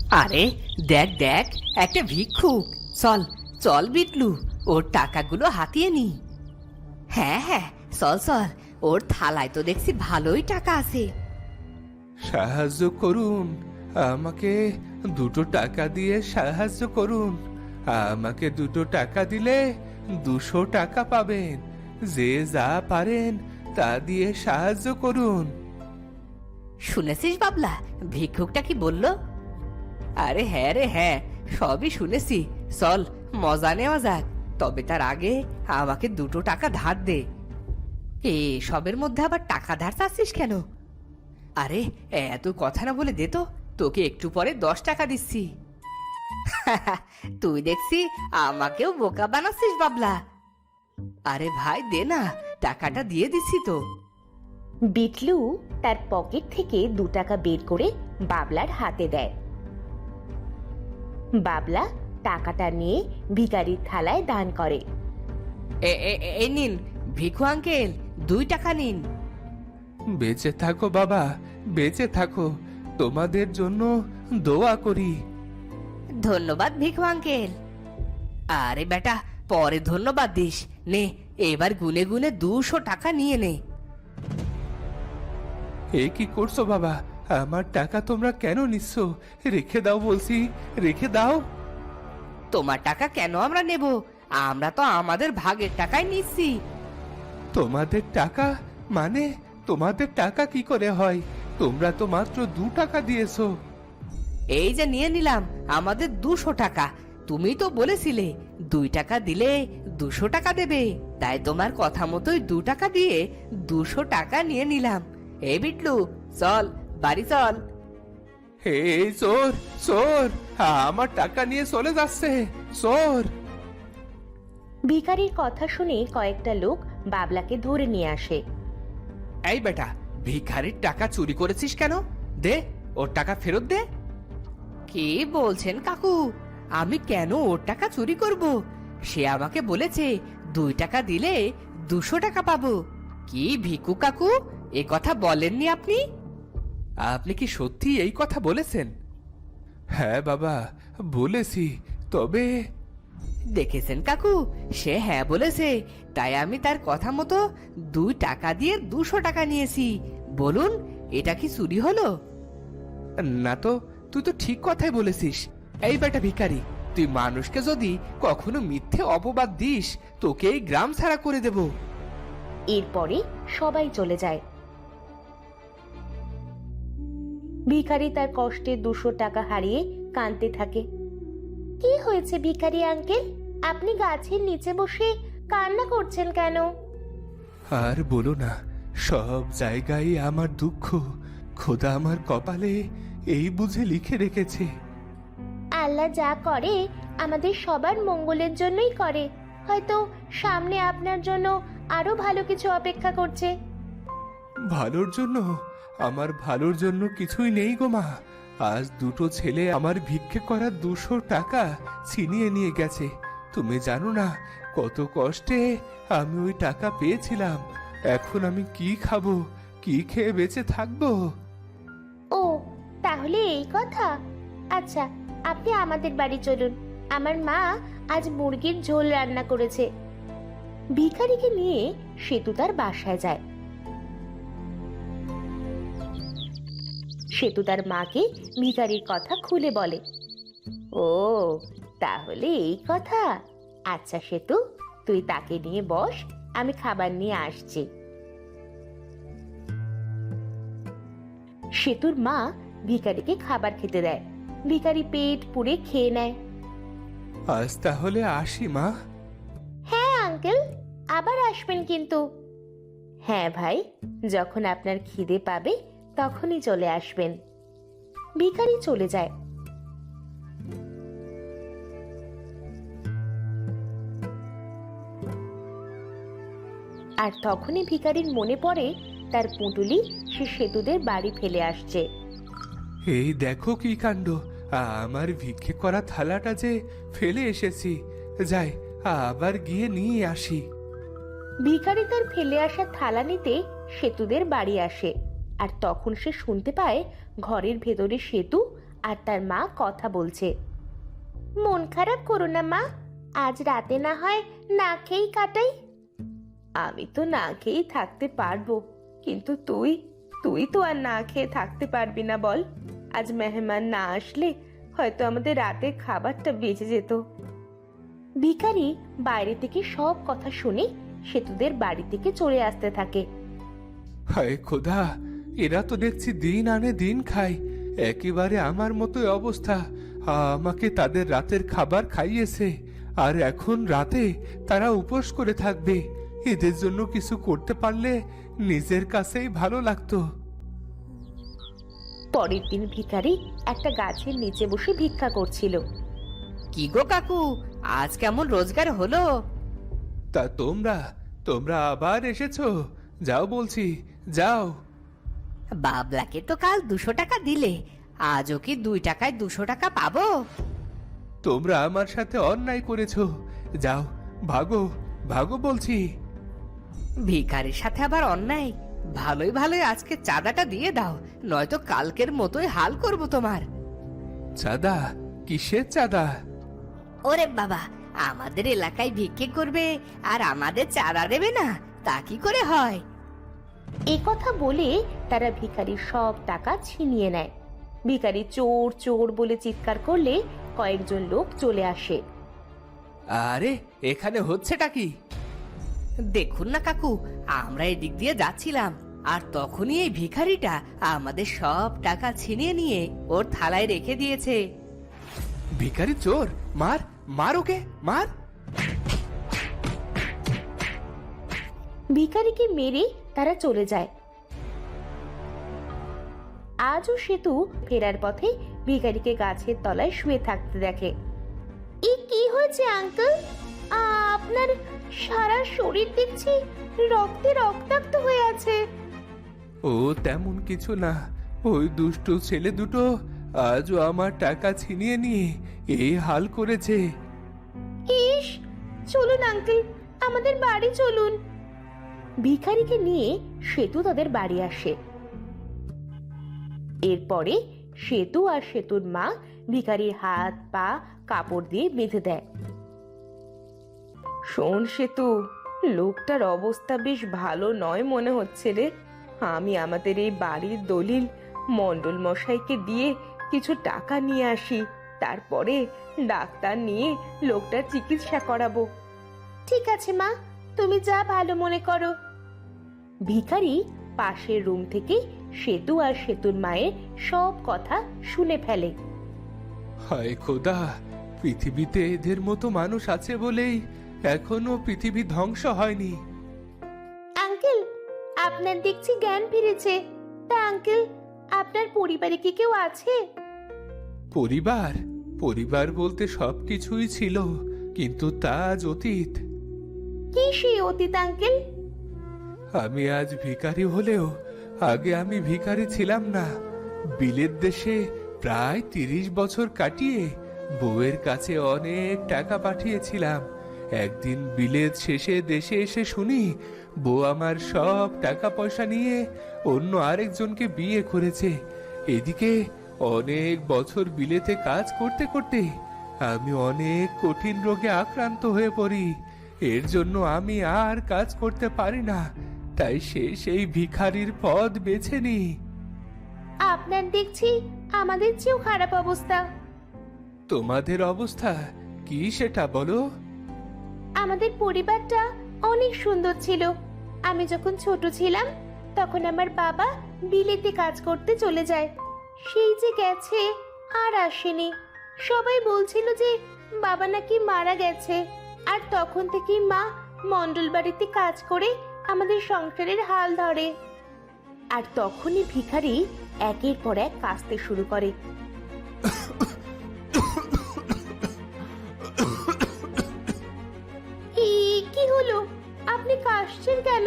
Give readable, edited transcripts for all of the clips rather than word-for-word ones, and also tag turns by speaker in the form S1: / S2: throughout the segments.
S1: আরে দেখ দেখ, একটা ভিক্ষুক। চল চল বিটলু, ওর টাকাগুলো হাতিয়ে নি। হ্যাঁ হ্যাঁ, চল চল, ওর থালায় তো দেখছি ভালোই টাকা আছে।
S2: সাহায্য করুন, আমাকে 2 টাকা দিয়ে সাহায্য করুন। আমাকে 2 টাকা দিলে 200 টাকা পাবেন। যে যা পারেন তা দিয়ে সাহায্য করুন।
S1: শুনেছিস বাবলা, ভিক্ষুকটা কি বললো? আরে হ্যাঁ রে হ্যাঁ, সবই শুনেছি। চল মজা নেওয়া যাক, তবে তার আগে আমাকে 2 টাকা ধার দে। সবের মধ্যে আবার টাকা ধার চাচ্ছিস কেন? আরে এত কথা না বলে দে তো, তোকে একটু পরে 10 টাকা দিচ্ছি। তুই দেখছি আমাকেও বোকা বানাচ্ছিস বাবলা। আরে ভাই দে না, টাকাটা দিয়ে দিচ্ছি তো।
S3: বিটলু তার পকেট থেকে 2 টাকা বের করে বাবলার হাতে দেয়। বাবলা টাকাটা নিয়ে ভিখারির থালায় দান করে।
S1: এই নিন ভিখু আঙ্কেল, 2 টাকা নিন।
S2: বেঁচে থাকো বাবা, বেঁচে থাকো। তোমাদের জন্য দোয়া করি।
S1: ধন্যবাদ ভিখু আঙ্কেল। আরে বেটা, পরে ধন্যবাদ দিস। নে, এবার গুনে গুনে 200 টাকা নিয়ে নে।
S2: এ কি করছো বাবা? আমার টাকা তোমরা কেন নিচ্ছ? রেখে দাও বলছি, রেখে দাও।
S1: তোমার টাকা কেন আমরা নেব? আমরা তো আমাদের ভাগের টাকাই নিচ্ছি।
S2: তোমাদের টাকা মানে? তোমাদের টাকা কি করে হয়? তোমরা তো মাত্র 2 টাকা দিয়েছো।
S1: এই যে নিয়ে নিলাম আমাদের 200 টাকা। তুমি তো বলেছিলে 2 টাকা দিলে 200 টাকা দেবে, তাই তোমার কথা মতোই 2 টাকা দিয়ে 200 টাকা নিয়ে নিলাম। এই বিটলু, চল বাড়ি চল।
S2: এই চোর, চোর! আমার টাকা নিয়ে চলে যাচ্ছে, চোর!
S3: ভিখারির কথা শুনে কয়েকটা লোক বাবলাকে ধরে নিয়ে আসে।
S1: এই বেটা, ভিখারির টাকা চুরি করেছিস কেন? দে, ওর টাকা ফেরত দে। কি বলছেন কাকু? আমি কেন ওর টাকা চুরি করব? সে আমাকে বলেছে 2 টাকা দিলে 200 টাকা পাবো। কি ভিকু কাকু, এ কথা বলেননি আপনি? আপনি কি সত্যি এই কথা বলেছেন?
S2: হ্যাঁ বাবা, বলেছি। তবে
S1: দেখেছেন কাকু, সে হ্যাঁ বলেছে, তাই আমি তার কথা মতো 2 টাকা দিয়ে 200 টাকা নিয়েছি। বলুন, এটা কি চুরি হলো? না তো, তুই তো ঠিক কথাই বলেছিস। এই বেটা ভিখারি, তুই মানুষকে যদি কখনো মিথ্যে অপবাদ দিস, তোকে এই গ্রাম ছাড়া করে দেব।
S3: এরপরে সবাই চলে যায়। ভিখারি তার কষ্টে 200 টাকা হারিয়ে কাঁদতে থাকে। কি হয়েছে ভিখারি আঙ্কেল? আপনি গাছের নিচে বসে কান্না করছেন কেন?
S2: আর বলো না, সব জায়গায় আমার দুঃখ। খোদা আমার কপালে এই বুঝে লিখে রেখেছে।
S3: আল্লাহ যা করে আমাদের সবার মঙ্গলের জন্যই করে। হয়তো সামনে আপনার জন্য আরো ভালো কিছু অপেক্ষা করছে।
S2: ভালোর জন্য? আমার ভালোর জন্য কিছুই নেই গো মা। আজ 2টো ছেলে আমার ভিক্ষে করা 200 টাকা ছিনিয়ে নিয়ে গেছে। তুমি জানো না কত কষ্টে আমি ওই টাকা পেয়েছিলাম। এখন আমি কি খাবো, কি খেয়ে বেঁচে থাকবো?
S3: ও, তাহলে এই কথা। আচ্ছা, আপনি আমাদের বাড়ি চলুন। আমার মা আজ মুরগির ঝোল রান্না করেছে। ভিখারিকে নিয়ে সেতু তার বাসায় যায়। সেতু তার মাকে ভিখারির কথা খুলে বলে। ও, তাহলে এই কথা। আচ্ছা সেতু, তুই তাকে নিয়ে বস, আমি খাবার নিয়ে আসছি। সেতুর মা ভিখারিকে খাবার খেতে দেয়। ভিখারি পেট পুড়ে খেয়ে নেয়।
S2: আজ তাহলে আসি মা।
S3: হ্যাঁ আঙ্কেল, আবার আসবেন কিন্তু। হ্যাঁ ভাই, যখন আপনার খিদে পাবে তখনই চলে আসবেন। ভিখারি চলে যায়। আর তখনই ভিখারির মনে পড়ে তার পুঁটুলি সে সেতুদের বাড়ি ফেলে আসছে।
S2: এই দেখো কি কাণ্ড! আমার ভিক্ষে করা থালাটা যে ফেলে এসেছি। যাই, আবার গিয়ে নিয়ে আসি।
S3: ভিখারি তার ফেলে আসা থালা নিতে সেতুদের বাড়ি আসে। আর তখন সে শুনতে পায় ঘরের ভেতরে সেতু আর তার মা কথা বলছে। মন খারাপ করো না মা, আজ রাতে না হয় না খেয়েই কাটাই। আমি তো না খেয়েই থাকতে পারবো, কিন্তু তুই তুই তো আর না খেয়ে থাকতে পারবি না বল। আজ মেহমান না আসলে হয়তো আমাদের রাতের খাবারটা বেঁচে যেত। ভিখারি বাইরে থেকে সব কথা শুনে সেতুদের বাড়ি থেকে চলে আসতে থাকে।
S2: হায় খোদা, এরা তো দেখছি দিন আনে দিন খায়, একেবারে আমার মতোই অবস্থা। আমাকে তাদের রাতের খাবার খাইয়েছে, আর এখন রাতে তারা উপোস করে থাকবে। এদের জন্য কিছু করতে পারলে নিজের কাছেই ভালো লাগতো।
S3: পরের দিন ভিখারি একটা গাছের নিচে বসে ভিক্ষা করছিল।
S1: কি গো কাকু, আজ কেমন রোজগার হলো?
S2: তা তোমরা তোমরা আবার এসেছো? যাও বলছি, যাও।
S1: বাবলাকে তো কাল 200 টাকা দিলে, আজও কি 2 টাকায় 200 টাকা পাবো?
S2: তোমরা আমার সাথে অন্যায় করেছো, যাও, ভাগো ভাগো বলছি।
S1: ভিখারির সাথে আবার অন্যায়? ভালোই ভালোই আজকে চাঁদাটা দিয়ে দাও, নয়তো কালকের মতোই হাল করব তোমার।
S2: চাঁদা? কিসের চাঁদা?
S1: ওরে বাবা, আমাদের এলাকায় ভিক্ষে করবে আর আমাদের চাঁদা দেবে না, তা কি করে হয়?
S3: এ কথা বলে তারা ভিখারির সব টাকা ছিনিয়ে নেয়। ভিখারি চোর চোর বলে চিৎকার করলে কয়েকজন লোক চলে আসে।
S1: আরে এখানে হচ্ছেটা কি? দেখুন না কাকু, আমরা এদিক দিয়ে যাচ্ছিলাম, আর তখনই এই ভিখারিটা আমাদের সব টাকা ছিনিয়ে নিয়ে ওর থালায় রেখে দিয়েছে।
S2: ভিখারি চোর, মার মার ওকে, মার।
S3: ভিখারিকে মেরে তারা চলে যায়। আজও সেতু ফেরার পথে ভিখারিকে গাছের তলায় শুয়ে থাকতে দেখে। এ কি হয়েছে আঙ্কেল? আপনার সারা শরীর দেখছি রক্তে রক্তাক্ত হয়ে আছে।
S2: ও তেমন কিছু না, ওই দুষ্টু ছেলে দুটো আজও আমার টাকা ছিনিয়ে নিয়ে এই হাল করেছে।
S3: ইস, চলুন আঙ্কেল, আমাদের বাড়ি চলুন। ভিখারিকে নিয়ে সেতু তাদের বাড়ি আসে। এরপরে সেতু আর সেতুর মা ভিখারির হাত পা কাপড় দিয়ে বেঁধে দেয়। শোন সেতু, লোকটার অবস্থা বেশ ভালো নয় মনে হচ্ছে রে। আমি আমাদের এই বাড়ির দলিল মণ্ডল মশাইকে দিয়ে কিছু টাকা নিয়ে আসি, তারপরে ডাক্তার নিয়ে লোকটার চিকিৎসা করাবো। ঠিক আছে মা, তুমি যা ভালো মনে করো। ভিখারি পাশের রুম থেকে সেতু আর সেতুর মায়ের সব কথা শুনে ফেলে।
S2: হায় খোদা, পৃথিবীতে এদের মতো মানুষ আছে বলেই এখনো পৃথিবী ধ্বংস হয়নি।
S3: আঙ্কেল, আপনার দেখছি জ্ঞান ফিরেছে। তা আঙ্কেল, আপনার পরিবারে কি কেউ আছে?
S2: পরিবার? পরিবার বলতে সবকিছুই ছিল, কিন্তু তা আজ অতীত।
S3: কি সেই অতীত আঙ্কেল?
S2: আমি আজ ভিখারি হলেও আগে আমি ভিখারি ছিলাম না। বিলেত দেশে প্রায় 30 বছর কাটিয়ে বউয়ের কাছে অনেক টাকা পাঠিয়েছিলাম। একদিন বিলেত শেষে দেশে এসে শুনি বউ আমার সব টাকা পয়সা নিয়ে অন্য আরেকজনকে বিয়ে করেছে। এদিকে অনেক বছর বিলেতে কাজ করতে করতে আমি অনেক কঠিন রোগে আক্রান্ত হয়ে পড়ি। এর জন্য আমি আর কাজ করতে পারি না, তাই সেই ভিখারির পদ বেছে নিই।
S3: আপনার দেখছি আমাদের চেয়েও খারাপ অবস্থা।
S2: তোমাদের অবস্থা কি সেটা বলো?
S3: আমাদের পরিবারটা অনেক সুন্দর ছিল। আমি যখন ছোট ছিলাম তখন আমার বাবা বিলেতে কাজ করতে চলে যায়। সেই যে গেছে আর আসেনি। সবাই বলছিল যে বাবা নাকি মারা গেছে, আর তখন থেকেই মা মণ্ডল বাড়িতে কাজ করে আমাদের সংসারের হাল ধরে। আর তখনই ভিখারি একের পর এক কাঁদতে শুরু করে। কি হলো? আপনি কাশছেন কেন?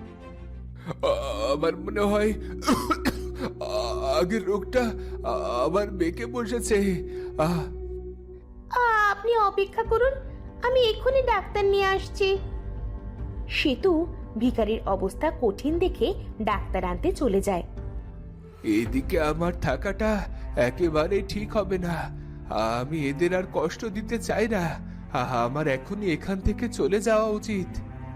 S2: আমার মনে হয় আগের রোগটা আবার বেঁকে বসেছে।
S3: আপনি অপেক্ষা করুন, আমি এক্ষুনি ডাক্তার নিয়ে আসছি। সেতু ভিখারির অবস্থা কঠিন দেখে ডাক্তার আনতে চলে যায়।
S2: এদিকে আমার থাকাটা একেবারে ঠিক হবে না। আমি এদের আর কষ্ট দিতে চাই না। আমার এখনই এখান থেকে চলে যাওয়া উচিত।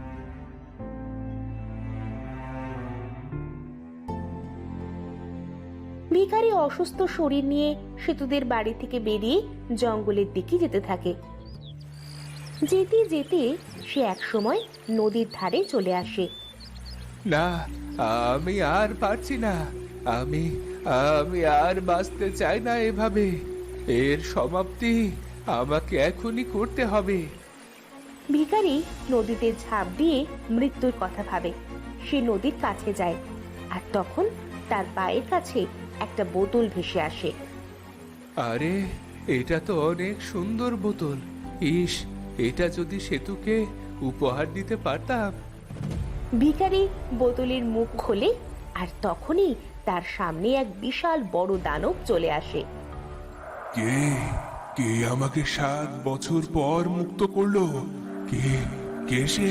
S3: ভিখারি অসুস্থ শরীর নিয়ে সেতুদের বাড়ি থেকে বেরিয়ে জঙ্গলের দিকে যেতে থাকে। যেতে যেতে সে একসময় নদীর ধারে চলে আসে।
S2: না, আমি আর পারছি না। আমি আমি আর বাঁচতে চাই না এভাবে। এর সমাপ্তি আমাকে এখনই করতে হবে।
S3: ভিখারি নদীতে ঝাঁপ দিয়ে মৃত্যুর কথা ভাবে। সে নদীর কাছে যায়, আর তখন তার পায়ের কাছে একটা বোতল ভেসে আসে।
S2: আরে, এটা তো অনেক সুন্দর বোতল। ইস, এটা যদি সেতুকে উপহার দিতে পারতাম।
S3: ভিখারি বোতলের মুখ খোলে, আর তখনই তার সামনে এক বিশাল বড় দানব চলে আসে।
S4: কে কে আমাকে 7 বছর পর মুক্ত করলো? কে কে সে?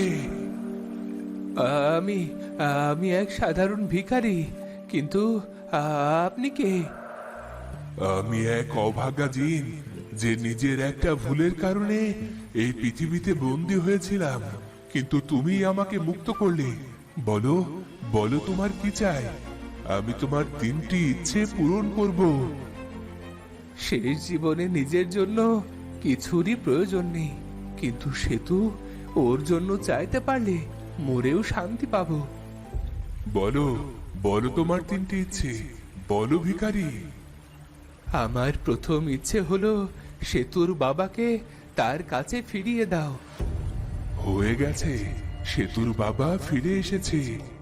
S2: আমি আমি এক সাধারণ ভিখারি, কিন্তু আপনি কে?
S4: আমি এক অভাগা জিন, যে নিজের একটা ভুলের কারণে এই পৃথিবীতে বন্দী হয়েছিলাম। কিন্তু তুমি আমাকে মুক্ত করলে। বলো বলো, তোমার কি চাই? আমি তোমার 3টি ইচ্ছে পূরণ করব।
S2: শেষ জীবনে নিজের জন্য কিছুরই প্রয়োজন নেই, কিন্তু সেতু ওর জন্য চাইতে পারলে মরেও শান্তি পাবো।
S4: বলো বলো, তোমার 3টি ইচ্ছে বলো ভিখারি।
S2: আমার প্রথম ইচ্ছে হলো সেতুর বাবাকে তার কাছে ফিরিয়ে দাও।
S4: হয়ে গেছে, সেতুর বাবা ফিরে এসেছে।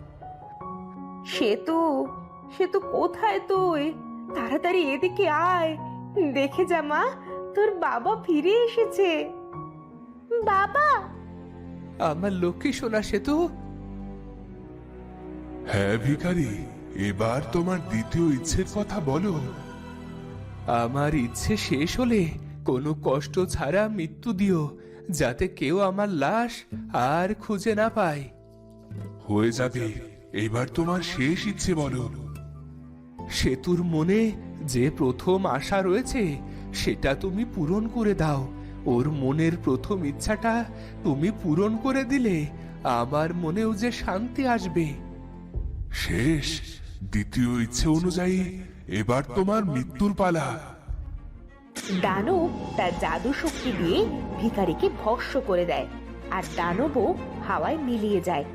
S3: সেতু, সেতু কোথায় তুই? তাড়াতাড়ি এদিকে আয়, দেখে যা মা, তোর বাবা ফিরে এসেছে। বাবা!
S2: আমার লক্ষ্মী সোনা সেতু।
S4: হ্যাঁ ভিখারি, এবার তোমার 2য় ইচ্ছের কথা বলো।
S2: আমার ইচ্ছে শেষ হলে কোনো কষ্ট ছাড়া মৃত্যু দিও, যাতে কেউ আমার লাশ আর খুঁজে না পায়।
S4: হয়ে যাবে, এবার তোমার শেষ ইচ্ছে বলো।
S2: সেতুর মনে যে প্রথম আশা রয়েছে সেটা তুমি পূরণ করে দাও। ওর মনের প্রথম ইচ্ছাটা তুমি পূরণ করে দিলে আমার মনেও যে শান্তি আসবে।
S4: শেষ, 2য় ইচ্ছে অনুযায়ী এবার তোমার মৃত্যুর পালা।
S3: দানব তার জাদু শক্তি দিয়ে ভিখারিকে ভস্ম করে দেয়, আর দানবও হাওয়ায় মিলিয়ে যায়।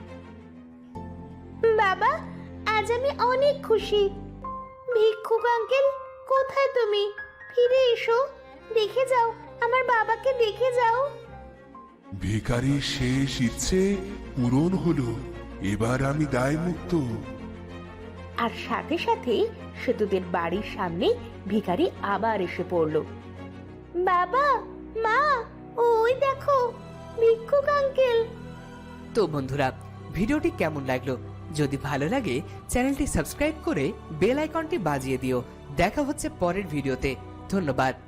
S3: বাবা, আজ আমি অনেক খুশি। ভিক্ষুক আঙ্কেল, কোথায় তুমি? ফিরে এসো, দেখে যাও, আমার বাবাকে দেখে যাও।
S4: ভিখারির শেষ ইচ্ছে পূরণ হলো, এবার আমি দায় মুক্ত।
S3: আর সাথে সাথে সেতুদের বাড়ির সামনে ভিখারি আবার এসে পড়ল। বাবা, মা, ওই দেখো ভিক্ষুক আঙ্কেল।
S1: তো বন্ধুরা, ভিডিওটি কেমন লাগলো? যদি ভালো লাগে চ্যানেলটি সাবস্ক্রাইব করে বেল আইকনটি বাজিয়ে দিও। দেখা হচ্ছে পরের ভিডিওতে। ধন্যবাদ।